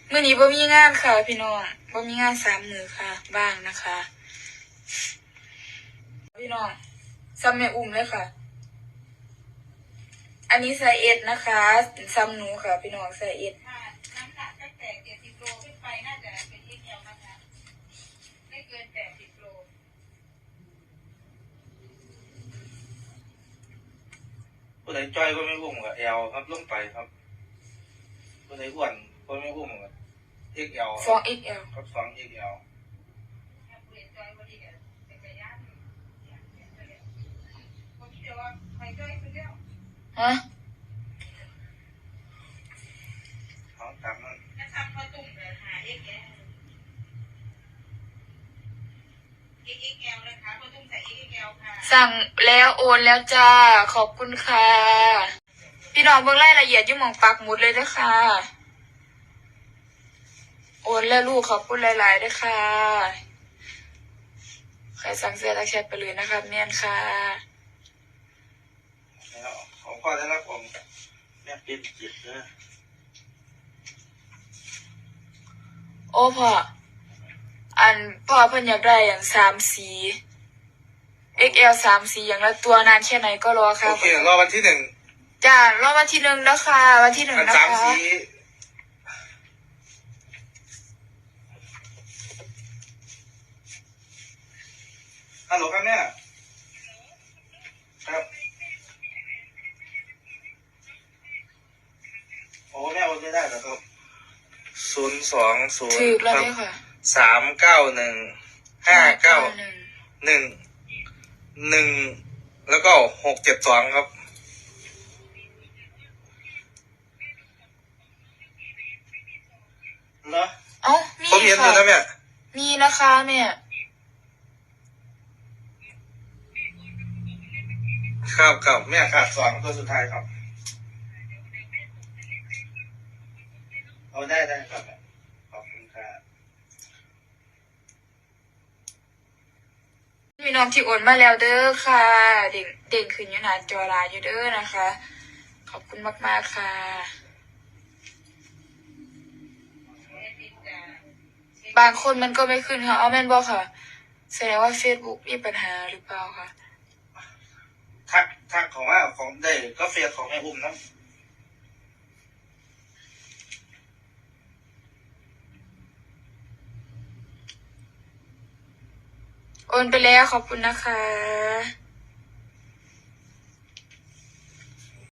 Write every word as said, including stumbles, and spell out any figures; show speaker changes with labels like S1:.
S1: มื้อนี้บ่มีงานค่ะพี่น้องบ่มีงานสามมื้อค่ะบ้างนะคะพี่น้องซ้ำแม่อุ้มเลยค่ะอันนี้ไซส์เอสนะคะซ้ำหนูค่ะพี่น้องไซส์เอส
S2: น้ำหนักตั้งแต่เจ็ดสิบโลขึ้นไปน่าจะเป็นเอ็กแอลนะคะไม่เกินแปดสิบโล
S3: ผู้ใดจ้อยก็ไม่อุ้มกับเอลครับลงไปครับผู้ใดอ้วนก็ไม่อุ้มกับเอ็กเอล
S1: สองเอ็กแอล
S3: ครับสองเอ็กเอล
S2: เปลี่ยนจอยวันนี้จะไปย่านคนที่เดียวว่าใครจอยคนเดียว
S1: ฮะ
S3: เขาทำนั่น
S2: ถ้าทำพอตุ่มเลยหาเอ็กแอลเอ็กแอลเลยค่ะพอตุ่มใส่เอ็กแอลค่ะ
S1: สั่งแล้วโอนแล้วจ้าขอบคุณค่ะพี่น้องเบิ่งรายละเอียดอยู่หม่องปักหมุดเลยด้วยค่ะโอนแล้วลูกขอบคุณหลายๆด้วยค่ะใครสั่งเสื้อทักแชทไปเลยนะคะแม่นค่ะ
S3: แล้วของพ่อได้รับผมแม่เป็นจิตนะ
S1: โอ้พ่ออันพ่อเพิ่นอยากได้อย่างสามสี เอ็กซ์ แอล สามสีอย่างละตัวนานแค่ไหนก็รอค่ะ
S3: โอเครอวันที่หนึ่ง
S1: จ้ารอวันที่หนึ่งนะคะวันที่หนึ่งนะคะ
S3: สามสีฮัลโหลครับแม่ครับโอ้แม่โอนไม่ได้แล้วครับศูนย์สองศูนย์
S1: ถูกแล้วเนี่ยค่ะ
S3: สามเก้าหนึ่งห้าเก้าหนึ่งหนึ่งแล้วก็หกเจ็ดสองครับเหรอ
S1: เอ้ามี
S3: ผมเห็นอยู่นะแม่
S1: มีนะคะแม่
S3: ครับครับแม่ขาดสองตัวสุดท้ายครับเอาได้ได้ครับขอบคุณครับ
S1: มีน้องที่โอนมาแล้วเด้อค่ะเด่งเด่งขึ้นอยู่หน้าจอไลน์อยู่เด้อนะคะขอบคุณมากๆค่ะบางคนมันก็ไม่ขึ้นค่ะเอาแม่นบอกค่ะแสดงว่า Facebook มีปัญหาหรือเปล่าค่ะ
S3: ทักทักของว่าของได้ก็เฟียของแม่อุ้มนะ
S1: โอนไปแล้วขอบคุณนะคะ